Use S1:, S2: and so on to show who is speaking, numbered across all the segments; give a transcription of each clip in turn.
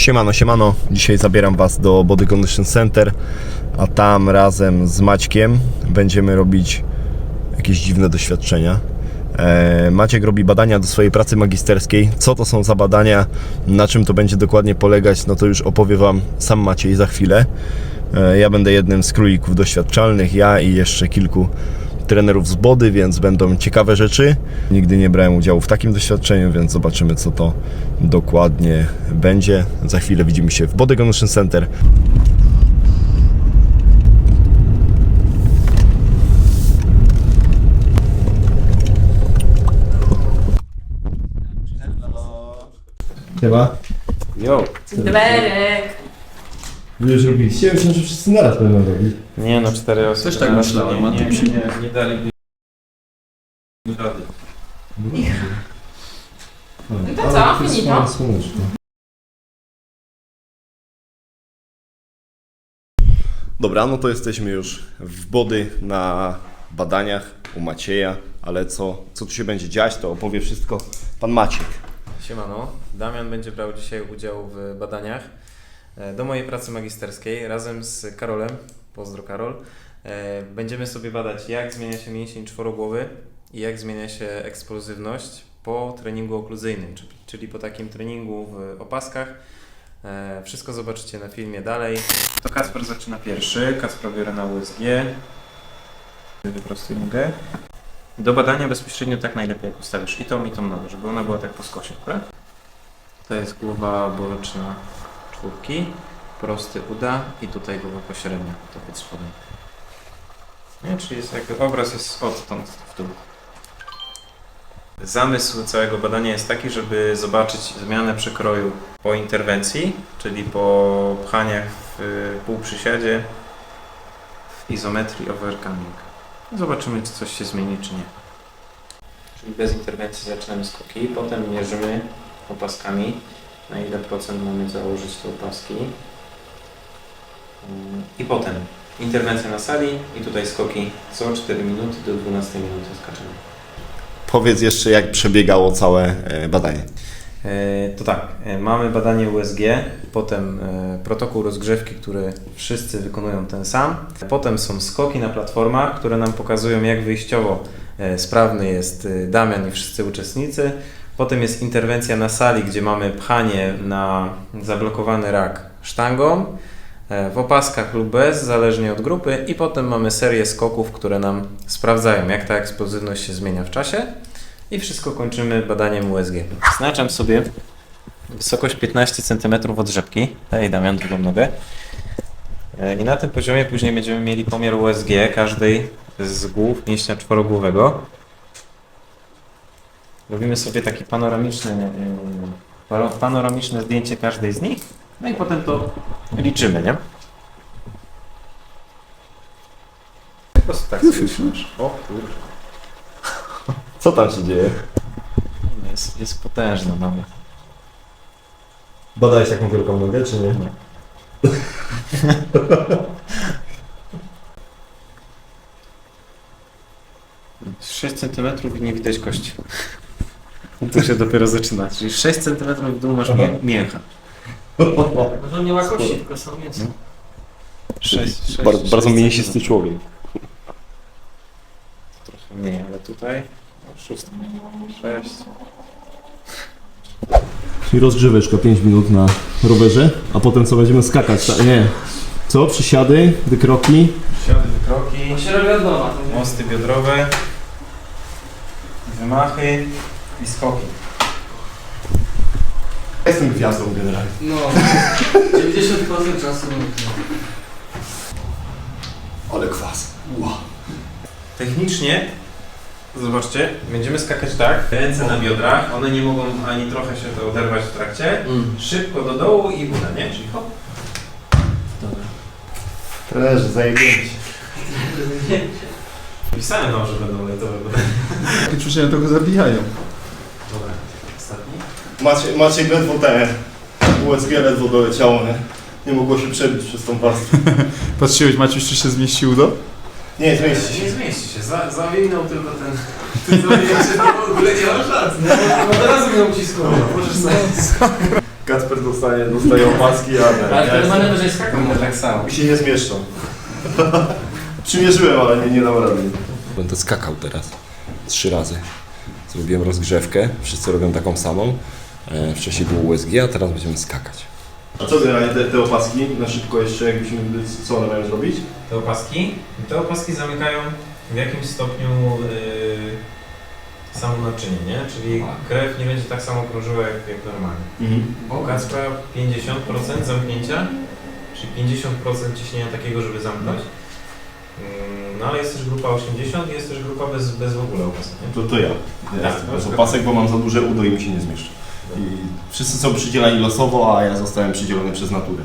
S1: Siemano, siemano. Dzisiaj zabieram Was do Body Condition Center, a tam razem z Maćkiem będziemy robić jakieś dziwne doświadczenia. Maciek robi badania do swojej pracy magisterskiej. Co to są za badania, na czym to będzie dokładnie polegać, no to już opowie Wam sam Maciej za chwilę. Ja będę jednym z królików doświadczalnych, ja i jeszcze kilku trenerów z Body, więc będą ciekawe rzeczy. Nigdy nie brałem udziału w takim doświadczeniu, więc zobaczymy, co to dokładnie będzie. Za chwilę widzimy się w Body Condition Center. Chyba?
S2: Jo.
S3: Dwerek.
S1: Wy już robiliście? Myślę, że wszyscy naraz będą robić.
S2: Nie no, 4 osoby.
S4: Też tak myślałem, a ty
S2: nie dali rady.
S3: No to co? Finito?
S1: Dobra, no to jesteśmy już w Body na badaniach u Macieja, ale co tu się będzie dziać, to opowie wszystko pan Maciek.
S2: Siemano, Damian będzie brał dzisiaj udział w badaniach do mojej pracy magisterskiej razem z Karolem, pozdro Karol. Będziemy sobie badać, jak zmienia się mięsień czworogłowy i jak zmienia się eksplozywność po treningu okluzyjnym, czyli po takim treningu w opaskach. Wszystko zobaczycie na filmie dalej. To Kacper zaczyna pierwszy. Kacper biorę na USG. Wyprostuj nogę. Do badania bezpośrednio tak najlepiej, jak ustawisz i tą nogę, żeby ona była tak po skosie, prawda? To jest głowa boczna czwórki, prosty uda i tutaj głowa pośrednia, to pod spodem. Nie, czyli jest jakby obraz jest odtąd w dół. Zamysł całego badania jest taki, żeby zobaczyć zmianę przekroju po interwencji, czyli po pchaniach w półprzysiadzie, w izometrii overcoming. Zobaczymy, czy coś się zmieni, czy nie. Czyli bez interwencji zaczynamy skoki, potem mierzymy opaskami, na ile procent mamy założyć te opaski. I potem interwencja na sali i tutaj skoki co 4 minuty do 12 minuty skaczemy.
S1: Powiedz jeszcze, jak przebiegało całe badanie.
S2: To tak, mamy badanie USG, potem protokół rozgrzewki, który wszyscy wykonują ten sam. Potem są skoki na platformach, które nam pokazują, jak wyjściowo sprawny jest Damian i wszyscy uczestnicy. Potem jest interwencja na sali, gdzie mamy pchanie na zablokowany rak sztangą, w opaskach lub bez, zależnie od grupy. I potem mamy serię skoków, które nam sprawdzają, jak ta eksplozywność się zmienia w czasie. I wszystko kończymy badaniem USG. Znaczam sobie wysokość 15 cm od rzepki. Daj Damian drugą nogę. I na tym poziomie później będziemy mieli pomiar USG każdej z głów mięśnia czworogłowego. Robimy sobie takie panoramiczne zdjęcie każdej z nich. No i potem to liczymy, nie? Po prostu tak sobie trzymasz. O kurwa.
S1: Co tam się dzieje?
S2: Jest potężna noga.
S1: Badałeś taką wielką nogę, czy nie?
S2: Nie. 6 cm i nie widać kości. To się dopiero zaczyna. Czyli 6 cm w dół masz mięcha.
S4: To nie ma kości, tylko są mięso.
S2: 6
S1: Bardzo mięsisty człowiek.
S2: Trochę mniej, ale tutaj 6.
S1: Czyli rozgrzeweczka 5 minut na rowerze, a potem co, będziemy skakać? Nie. Co? Przysiady, wykroki?
S2: Przysiady, wykroki,
S4: się robi od nowa.
S2: mosty biodrowe, wymachy i skoki.
S1: Jestem gwiazdą generalnie.
S4: No, 90% czasu.
S1: Ale kwas. Wow.
S2: Technicznie, zobaczcie, będziemy skakać tak, ręce na biodrach, one nie mogą ani trochę się to oderwać w trakcie, szybko do dołu i uda, nie? Czyli hop.
S4: Dobra.
S1: Trenerze, zajebięci.
S2: Pisałem wam, że będą lejtowe badania.
S5: Takie ćwiczenia trochę zabijają.
S2: Dobra, ostatni.
S1: Maciek ledwo USG ledwo doleciało, nie? Nie mogło się przebić przez tą warstwę.
S5: Patrzyłeś, Maciuś, czy się zmieścił do?
S1: Nie, zmieści się.
S2: Nie zmieści się, zawinął tylko ten... Ty zawinął się, to w ogóle nie ma szans.
S4: No teraz bym ucisnął.
S2: Możesz sobie...
S1: Kacper dostaje opaski,
S4: Ale wtedy będę wyżej skakał.
S2: Tak samo.
S1: mi się nie zmieszczą. Przymierzyłem, ale nie dam rady. Będę skakał teraz 3 razy. Zrobiłem rozgrzewkę, wszyscy robią taką samą. Wcześniej było USG, a teraz będziemy skakać. A co generalnie te opaski? Na szybko jeszcze, jakbyśmy, co one mają zrobić?
S2: Te opaski zamykają w jakimś stopniu samo naczynie, nie? Czyli krew nie będzie tak samo krążyła jak normalnie. U Kacpra 50% zamknięcia, czyli 50% ciśnienia takiego, żeby zamknąć. No ale jest też grupa 80 i jest też grupa bez w ogóle opasek, nie?
S1: To ja. Bez opasek, bo mam za duże udo i mi się nie zmieszczę. I wszyscy są przydzielani losowo, a ja zostałem przydzielony przez naturę.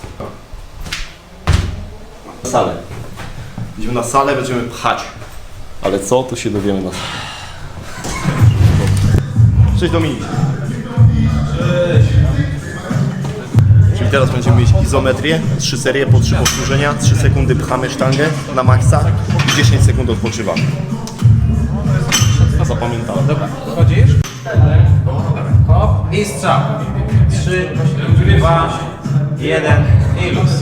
S1: Na salę. Idziemy na salę, będziemy pchać. Ale co, to się dowiemy na salę. Cześć Dominik. Cześć. Czyli teraz będziemy mieć izometrię, 3 serie po 3 powtórzenia, 3 sekundy pchamy sztangę na maksa i 10 sekund odpoczywamy. Zapamiętałem.
S2: Dobra, wchodzisz? Hop i strzał. 3, 2, 1 i luz.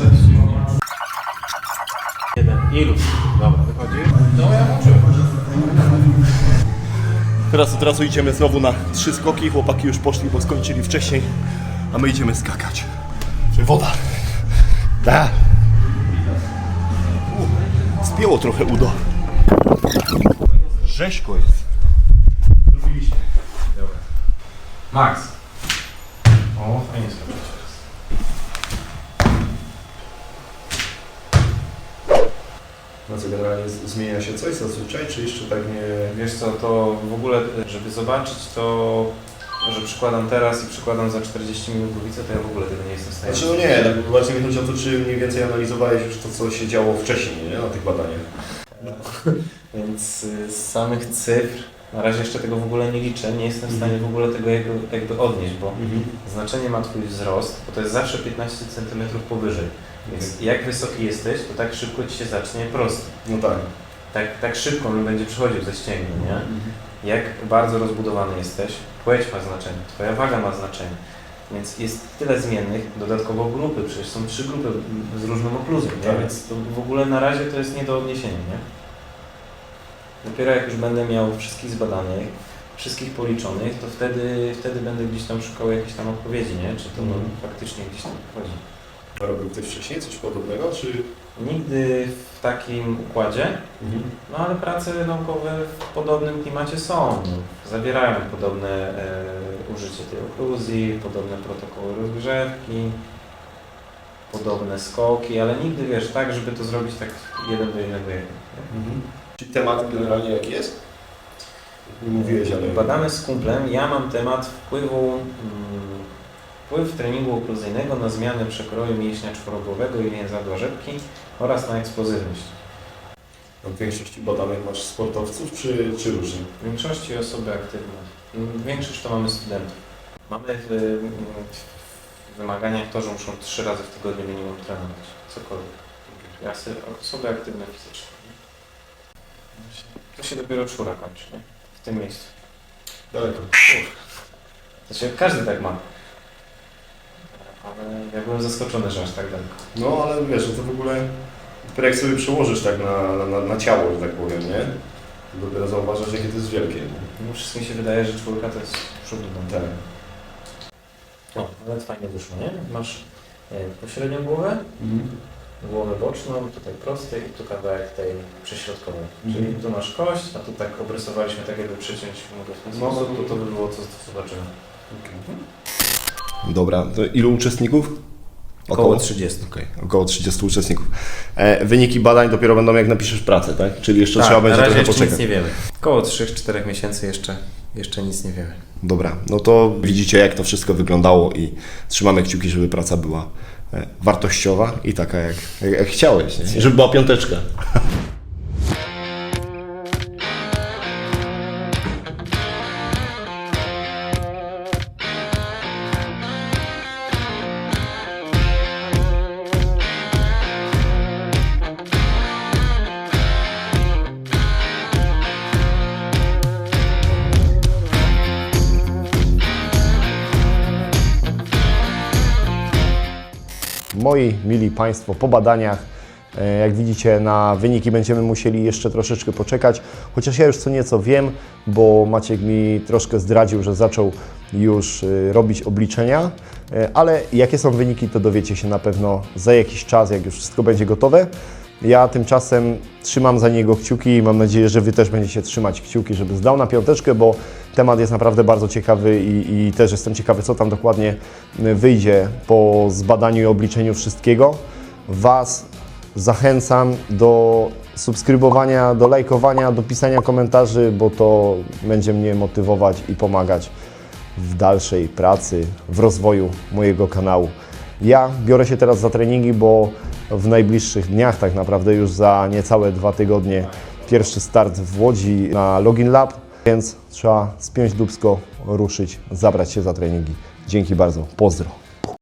S2: 1 i luz. Dobra, wychodzisz? No ja włączyłem.
S1: Teraz idziemy znowu na 3 skoki, chłopaki już poszli, bo skończyli wcześniej, a my idziemy skakać. Woda. Da. Spięło trochę udo. Rzeźko jest. Zrobiliście.
S2: Dobra. Max. O, fajnie skoczyć.
S1: No co, generalnie zmienia się coś zazwyczaj, czy jeszcze tak nie...
S2: Wiesz co, to w ogóle, żeby zobaczyć to, że przykładam teraz i przykładam za 40 minut głowicę, to ja w ogóle tego nie jestem w stanie.
S1: Znaczy no nie, tak właśnie mi chodzi o to, czy mniej więcej analizowałeś już to, co się działo wcześniej, nie? Na tych badaniach.
S2: Więc z samych cyfr, na razie jeszcze tego w ogóle nie liczę, nie jestem w stanie w ogóle tego jakby odnieść, bo znaczenie ma Twój wzrost, bo to jest zawsze 15 cm powyżej. Więc jak wysoki jesteś, to tak szybko Ci się zacznie prosty.
S1: No tak.
S2: Tak szybko on będzie przychodził ze ścięgni, nie? Jak bardzo rozbudowany jesteś, płeć ma znaczenie, Twoja waga ma znaczenie. Więc jest tyle zmiennych, dodatkowo grupy, przecież są 3 grupy z różną okluzją, nie?
S1: Tak.
S2: Więc to w ogóle na razie to jest nie do odniesienia, nie? Dopiero jak już będę miał wszystkich zbadanych, wszystkich policzonych, to wtedy będę gdzieś tam szukał jakiejś tam odpowiedzi, nie? Czy to faktycznie gdzieś tam wchodzi.
S1: A robił ktoś wcześniej coś podobnego, czy...
S2: Nigdy w takim układzie, no ale prace naukowe w podobnym klimacie są. Zawierają podobne użycie tej okluzji, podobne protokoły rozgrzewki, podobne skoki, ale nigdy, wiesz, tak, żeby to zrobić tak 1 do 1 do 1.
S1: Czyli temat generalnie jaki jest? Nie mówiłeś, ale...
S2: Badamy z kumplem, ja mam temat wpływ treningu okluzyjnego na zmianę przekroju mięśnia czworogłowego i więzadła rzepki oraz na eksplozywność.
S1: W większości badanych masz sportowców, czy różnie?
S2: W większości osoby aktywne. Większość to mamy studentów. Mamy w wymaganiach to, że muszą 3 razy w tygodniu minimum trenować. Cokolwiek. Osoby aktywne fizycznie. To się dopiero 4 kończy, nie? W tym miejscu.
S1: Daleko.
S2: Znaczy, każdy tak ma. Ale ja byłem zaskoczony, że aż tak daleko.
S1: No ale wiesz, to w ogóle jak sobie przełożysz tak na ciało, że tak powiem, nie? To dopiero zauważasz, jakie to jest wielkie. Nie?
S2: No, wszystkim się wydaje, że 4 to jest przód do
S1: Tak.
S2: O, ale fajnie wyszło, nie? Masz pośrednią głowę, głowę boczną, tutaj prostej i tu kawałek tej prześrodkowej. Czyli tu masz kość, a tu tak obrysowaliśmy tak, jakby przyciąć mogę w ten sposób, to by było co zobaczymy.
S1: Dobra, to ilu uczestników?
S2: Około 30.
S1: Okej, około 30 uczestników. Wyniki badań dopiero będą jak napiszesz pracę, tak? Czyli jeszcze trzeba będzie
S2: na razie
S1: trochę
S2: jeszcze
S1: poczekać.
S2: nic nie wiemy. Około 3-4 miesięcy jeszcze nic nie wiemy.
S1: Dobra, no to widzicie jak to wszystko wyglądało i trzymamy kciuki, żeby praca była wartościowa i taka jak chciałeś, nie? Żeby była 5. moi mili Państwo, po badaniach. Jak widzicie, na wyniki będziemy musieli jeszcze troszeczkę poczekać, chociaż ja już co nieco wiem, bo Maciek mi troszkę zdradził, że zaczął już robić obliczenia, ale jakie są wyniki, to dowiecie się na pewno za jakiś czas, jak już wszystko będzie gotowe. Ja tymczasem trzymam za niego kciuki i mam nadzieję, że Wy też będziecie trzymać kciuki, żeby zdał na 5, bo temat jest naprawdę bardzo ciekawy i też jestem ciekawy, co tam dokładnie wyjdzie po zbadaniu i obliczeniu wszystkiego. Was zachęcam do subskrybowania, do lajkowania, do pisania komentarzy, bo to będzie mnie motywować i pomagać w dalszej pracy, w rozwoju mojego kanału. Ja biorę się teraz za treningi, bo w najbliższych dniach, tak naprawdę już za niecałe 2 tygodnie, pierwszy start w Łodzi na Login Lab, więc trzeba spiąć dupsko, ruszyć, zabrać się za treningi. Dzięki bardzo, pozdro.